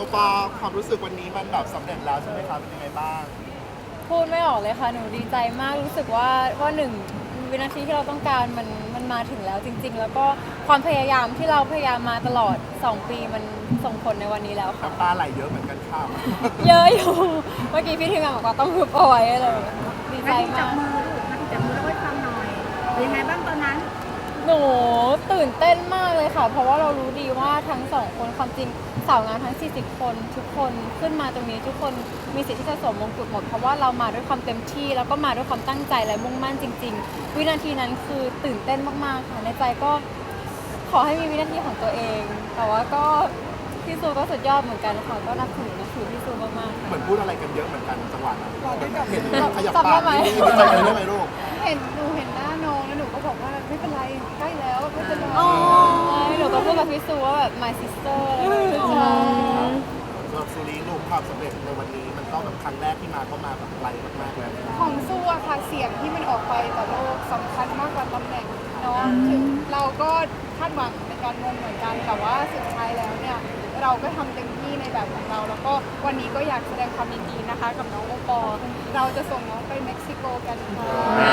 ปอความรู้สึกวันนี้มันแบบสำเร็จแล้วใช่ไหมครับเป็นยังไงบ้างพูดไม่ออกเลยค่ะหนูดีใจมากรู้สึกว่าหนึ่งวินาทีที่เราต้องการมันมาถึงแล้วจริง ๆ แล้วก็ความพยายามที่เราพยายามมาตลอด2 ปีมันส่งผลในวันนี้แล้วค่ะน้ำตาไหลเยอะเหมือนกันค่ะเยอะอยู่เมื่อกี้พี่ทีมงานบอกว่าต้องฮึบเอาไว้เลยดีใจนาทีจัมาบกมือลูกนาทีจับมือแล้วก็ฟังหน่อยเป็นยังไงบ้างตอนนั้นหนูตื่นเต้นมากเลยค่ะ เพราะว่าเรารู้ดีว่าทั้ง2 คนความจริงสาวงามทั้ง40 คนทุกคนขึ้นมาตรงนี้ทุกคนมีสิทธิ์ที่จะสวมมงกุฎหมดเพราะว่าเรามาด้วยความเต็มที่แล้วก็มาด้วยความตั้งใจและมุ่งมั่นจริง ๆ วินาทีนั้นคือตื่นเต้นมากๆค่ะในใจก็ขอให้มีวินาทีของตัวเอง แต่ว่าก็พี่ซูก็สุดยอดเหมือนกันค่ะก็นับถือพี่ซูมากๆเหมือนพูดอะไรกันเยอะเหมือนกันจังหวะนั้นบอกได้กับเห็นขยับจำปาได้กไหมนี่ดีใจเลยได้ไหมลูกหนูเห็นหน้าน้องแล้วหนูก็บอกว่าไม่เป็นไรใกล้แล้วไม่เป็นไรอ๋อหนูก็พูดกับพี่ซูว่าแบบ my sister อะไรอย่างเงี้ยใช่สำหรับซูรีลูกความสำเร็จในวันนี้มันต้องแบบครั้งแรกที่มาก็มาแบบไกลมากๆแล้วของสู้อะค่ะเสียงที่มันออกไปต่อโลกสำคัญมากกว่าตำแหน่งเนาะถึงเราก็คาดหวังในการมงเหมือนกันแต่ว่าสุดท้ายแล้วเนี่ยเราก็ทำเต็มที่ในแบบของเรา แล้วก็วันนี้ก็อยากแสดงความยินดีนะคะ กับน้องโอปอล์เราจะส่งน้องไปเม็กซิโกกันค่ะ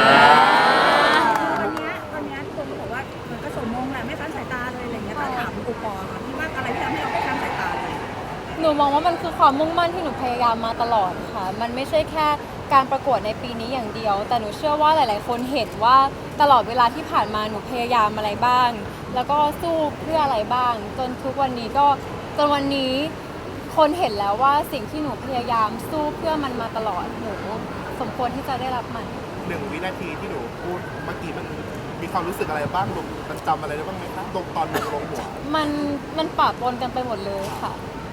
วันนี้ทุกคนก็บอกว่ามันก็สมมงแหละไม่ค้านสายตาเลยอะไรเงี้ยแต่ถามอุปอค่ะพี่ว่าอะไรที่ทำให้เราไม่ค้านสายตาเลยหนูมองว่ามันคือความมุ่งมั่นที่หนูพยายามมาตลอดค่ะ มันไม่ใช่แค่การประกวดในปีนี้อย่างเดียว แต่หนูเชื่อว่าหลาย ๆ คนเห็นว่าตลอดเวลาที่ผ่านมาหนูพยายามอะไรบ้าง แล้วก็สู้เพื่ออะไรบ้าง จนทุกวันนี้จนวันนี้คนเห็นแล้วว่าสิ่งที่หนูพยายามสู้เพื่อมันมาตลอดหนูสมควรที่จะได้รับมัน 1 วินาทีที่หนูพูดเมื่อกี้มันมีความรู้สึกอะไรบ้างลูกมันจำอะไรได้บ้างไหมคะลงตอนลงหัวมันปะปนกันไปหมดเลยค่ะ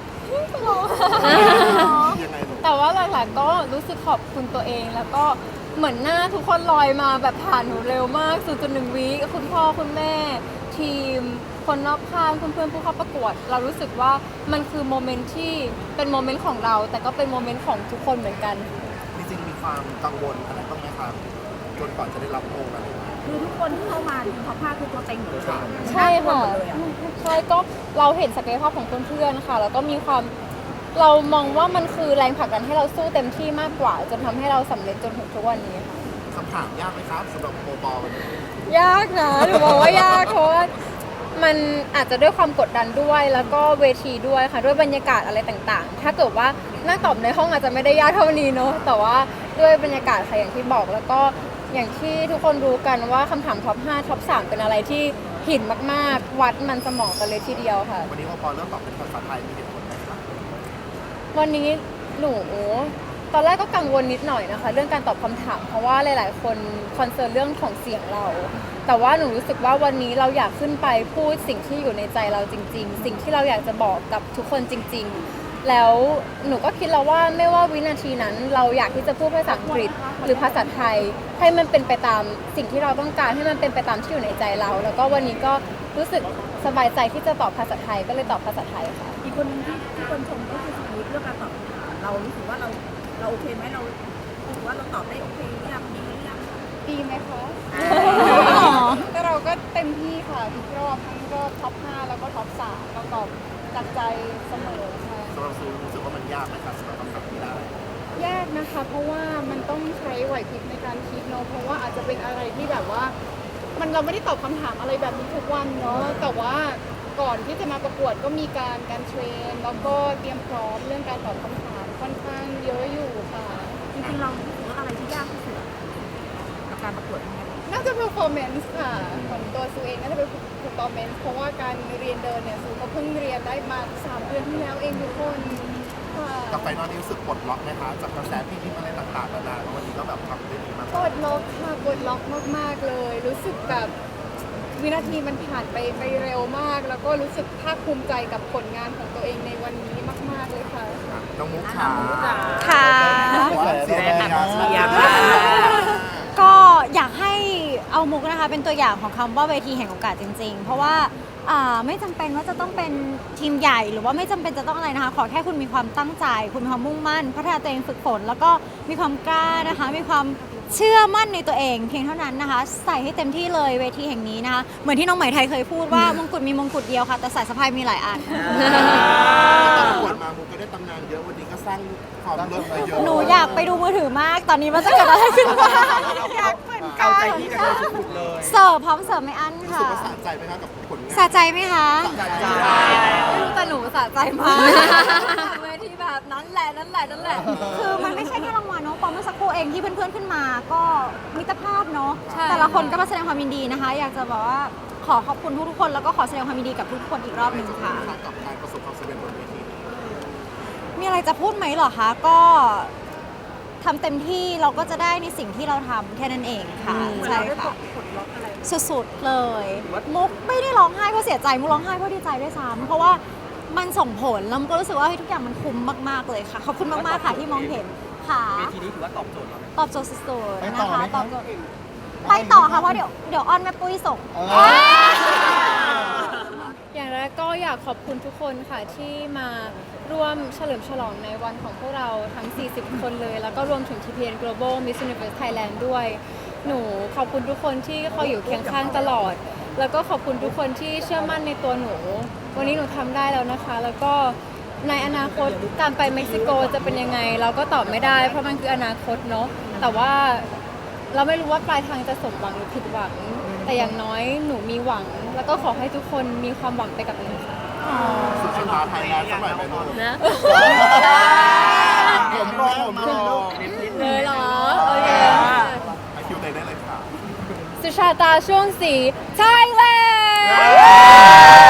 ยังไงลูกแต่ว่าหลักๆก็รู้สึกขอบคุณตัวเองแล้วก็เหมือนหน้าทุกคนลอยมาแบบผ่านหนูเร็วมาก 0.1 วิคุณพ่อคุณแม่ ทีม คนรอบข้างเพื่อนๆผู้เข้าประกวด เรารู้สึกว่ามันคือโมเมนต์ที่เป็นโมเมนต์ของเรา แต่ก็เป็นโมเมนต์ของทุกคนเหมือนกันจริงๆมีความกังวลอะไรบ้างไหมครับจนก่อนจะได้รับโองอะไรอย่างเงี้ยคือทุกคนที่เข้ามาทีมท็อป5คือตัวเต็งหมดเลยใช่ค่ะหมดเลยอ่ะใช่ก็เราเห็นศักยภาพของเพื่อนๆค่ะแล้วก็มีความเรามองว่ามันคือแรงผลักดันให้เราสู้เต็มที่มากกว่า จนทำให้เราสำเร็จจนถึงทุกวันนี้ค่ะคำถามยากไหมครับสำหรับโอปอลวันนี้ยากนะหนูบอกว่ายากเพราะว่ามันอาจจะด้วยความกดดันด้วยแล้วก็เวทีด้วยค่ะด้วยบรรยากาศอะไรต่างๆ ถ้าเกิดว่านั่งตอบในห้องอาจจะไม่ได้ยากเท่านี้เนาะแต่ว่าด้วยบรรยากาศค่ะอย่างที่บอกแล้วก็อย่างที่ทุกคนรู้กันว่าคำถามท็อป 5 ท็อป 3 เป็นอะไรที่หินมากๆ วัดมันสมองกันเลยทีเดียวค่ะวันนี้โอปอลเริ่มตอบเป็นภาษาไทยมีเหตุผลไหมครับวันนี้หนูตอนแรกก็กังวลนิดหน่อยนะคะเรื่องการตอบคำถามเพราะว่าหลายๆคนคอนเซิร์นเรื่องของเสียงเรา แต่ว่าหนูรู้สึกว่าวันนี้เราอยากขึ้นไปพูดสิ่งที่อยู่ในใจเราจริง ๆ สิ่งที่เราอยากจะบอกกับทุกคนจริง ๆ แล้วหนูก็คิดแล้วว่าไม่ว่าวินาทีนั้นเราอยากที่จะพูดภาษาอังกฤษหรือภาษาไทย ให้มันเป็นไปตามสิ่งที่เราต้องการให้มันเป็นไปตามที่อยู่ในใจเรา แล้วก็วันนี้ก็รู้สึกสบายใจที่จะตอบภาษาไทยก็เลยตอบภาษาไทยค่ะอีกคนนึงที่คนชมก็คือสมิธเรื่องการตอบคำถามเรารู้สึกว่าเราโอเคไหมเรารู้สึกว่าเราตอบได้โอเคหรือยังดีหรือยังดีไหมคะแต่เราก็เต็มที่ค่ะทุกรอบทั้งรอบท็อป 5 แล้วก็ท็อป 3 เราตอบจากใจเสมอค่ะสำหรับซูรู้สึกว่ามันยากไหมครับสำหรับคำถามที่ได้ยากนะคะเพราะว่ามันต้องใช้ไหวพริบในการคิดเนาะเพราะว่าอาจจะเป็นอะไรที่แบบว่าเราไม่ได้ตอบคำถามอะไรแบบนี้ทุกวันเนาะแต่ว่าก่อนที่จะมาประกวดก็มีการเทรนแล้วก็เตรียมพร้อมเรื่องการตอบคำถามค่อนข้างเยอะอยู่ค่ะจริงๆเรารู้สึกว่าอะไรที่ยากที่สุดกับการประกวดนี้น่าจะ performance ค่ะของตัวซูเองน่าจะเป็น performance เพราะว่าการเรียนเดินเนี่ยซูก็เพิ่งเรียนได้มา3 เดือนที่แล้วเองทุกคนค่ะกับไฟนอลนี้รู้สึกปลดล็อกไหมคะจากกระแสที่พิมพ์อะไรต่างๆนานาแล้ววันนี้ก็แบบทำได้ดีมากปลดล็อกค่ะปลดล็อกมากๆเลย รู้สึกแบบวินาทีมันผ่านไปเร็วมาก แล้วก็รู้สึกภาคภูมิใจกับผลงานของตัวเองในวันนี้มากๆเลยค่ะน้องมุกขาค่ะเสียงงานก็อยากให้เอามุกนะคะเป็นตัวอย่างของคำว่าเวทีแห่งโอกาสจริงๆ เพราะว่าไม่จำเป็นว่าจะต้องเป็นทีมใหญ่หรือว่าไม่จำเป็นจะต้องอะไรนะคะ ขอแค่คุณมีความตั้งใจ คุณมีความมุ่งมั่น พัฒนาตัวเองฝึกฝนแล้วก็มีความกล้านะคะ มีความเชื่อมั่นในตัวเองเพียงเท่านั้นนะคะ ใส่ให้เต็มที่เลยเวทีแห่งนี้นะคะเหมือนที่น้องไหมไทยเคยพูดว่ามงกุฎมีมงกุฎเดียวค่ะแต่สายสะพายมีหลายอันประกวดมามุกก็ได้สร้างความเลิศไปเยอะหนูอยากไปดูมือถือมาก ตอนนี้มันจะเกิดอะไรขึ้นบ้างอยากเหมือนกัเอานใจพี่กันเลยสุดๆเลยเสิร์ฟพร้อมเสิร์ฟไม่อั้นรู้ค่ะสึกว่าสะใจไหมคะกับผลงานสะใจไหมคะสะใจไม่รู้แต่หนูสะใจมากเวทีแบบนั้นแหละนั่นแหละนั่นแหละคือมันไม่ใช่แค่รางวัลเนาะปอมเมื่อสักครู่เองที่เพื่อนๆขึ้นมา ก็มิตรภาพเนาะใช่แต่ละคนก็มาแสดงความยินดีนะคะ อยากจะบอกว่าขอขอบคุณทุกๆคนแล้วก็ขอแสดงความยินดีกับทุกคนอีกรอบหนึ่งค่ะกับการประสบความสำเร็จบนเวทีมีอะไรจะพูดไหมเหรอคะ ก็ทำเต็มที่เราก็จะได้ในสิ่งที่เราทำแค่นั้นเองค่ะ ใช่ค่ะสุดๆเลย มุกไม่ได้ร้องไห้เพราะเสียใจมุกร้องไห้เพราะดีใจด้วยซ้ำเพราะว่ามันส่งผลแล้วมุกก็รู้สึกว่าเฮ้ยทุกอย่างมันคุ้มมากๆเลยค่ะขอบคุณมากๆค่ะที่มองเห็นค่ะเวทีนี้ถือว่าตอบโจทย์เราไหมตอบโจทย์สุดๆไปนะต่อคะไหมตคะอบโจทย์ไปต่อค่ะเพราะเดี๋ยวอ้อนแม่ปุ้ยส่งอย่างแรกก็อยากขอบคุณทุกคนค่ะที่มาร่วมเฉลิมฉลองในวันของพวกเราทั้ง 40 คนเลย แล้วก็รวมถึง TPN Global Miss Universe Thailand ด้วย หนูขอบคุณทุกคนที่คอยอยู่เคียงข้างตลอด แล้วก็ขอบคุณทุกคนที่เชื่อมั่นในตัวหนู วันนี้หนูทำได้แล้วนะคะ แล้วก็ในอนาคตการไปเม็กซิโกจะเป็นยังไง เราก็ตอบไม่ได้ เพราะมันคืออนาคตเนาะแต่ว่าเราไม่รู้ว่าปลายทางจะสมหวังหรือผิดหวัง แต่อย่างน้อยหนูมีหวัง แล้วก็ขอให้ทุกคนมีความหวังไปกับหนูค่ะสุดชะตาไทยแลนด์สักหน่อยไปลูกนะผมรอเลยเหรอ โอเคไอคิวเตได้เลยค่ะสุชาตาช่วงสีไทยแลนด์